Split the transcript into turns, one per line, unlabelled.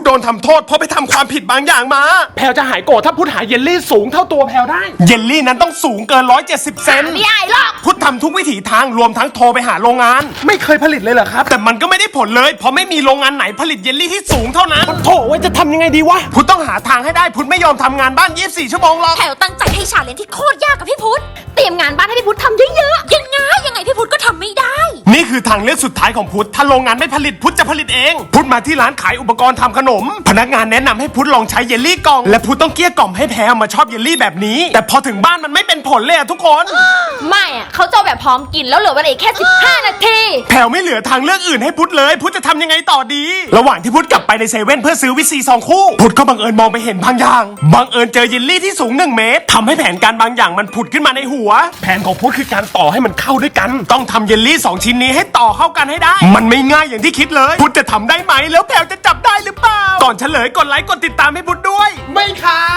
ดนทำโทษเพราะไปทำความผิดบางอย่างมา
แพลวจะหายโกรธถ้าพุทธหาเยลลี่สูงเท่าตัวแพลวได้
เยลลี่นั้นต้องสูงเกิน170 เซน
ไม่ได้หรอก
พุทธทำทุกวิถีทางรวมทั้งโทรไปหาโรงงาน
ไม่เคยผลิตเลยเหรอครับ
แต่มันก็ไม่ได้ผลเลยเพราะไม่มีโรงงานไหนผลิตเยลลี่ที่สูงเท่านั้น
โถไว้จะทำยังไงดีวะ
พุทธต้องหาทางให้ได้พุทธไม่ยอมทำงานบ้าน24 ชั่วโมงหรอก
แถวตั้งใจให้ชาเลนจ์ที่โคตรยากกับพี่พุทธเตรียมงานบ้านให้พี่พุทธทำเยอะๆยังไงพี่พุทธก็ทำไม่ได้
นี่คือทางเลือกสุดท้ายของพุทธถ้าโรงงานไม่ผลิตพุทธจะผลิตเองพุทธมาที่ร้านขายอุปกรณ์ทำขนมพนักงานแนะนำให้พุทธลองใช้เยลลี่กล่องและพุทธต้องเกลี้ยกล่อมให้แพรมาชอบเยลลี่แบบนี้แต่พอถึงบ้านมันไม่เป็นผลเลยอะทุกคน
ไม่อะเขาจะแบบพร้อมกินแล้วเหลือเวลาอีกแค่15 นาที
แพรไม่เหลือทางเลือกอื่นให้พุทธเลยพุทธจะทำยังไงต่อดีระหว่างที่พุทธกลับไปในเซเว่นเพื่อซื้อวิซี2 คู่พุทธก็บังเอิญมองไปเห็นบางอย่างบังเอิญเจอเยลลี่ที่สูง1 เมตรทำให้แผนการบางอย่างมันผุดขึ้นมาในหัว
แผนของพุทธคือการต่อให้มันเข้าด้วยกัน
ต้องทำเยลลี่2 ชิ้นนี้ให้ต่อเข้ากันให้ได้มันไม่ง่ายอย่างที่คิดเลยพุทธจะทำได้ไหมแล้วแพรจะจับได้หรือเปล่าก่อนเฉลยกดไลค์กดติดตามให้พุทธด้วย
ไม่ขาย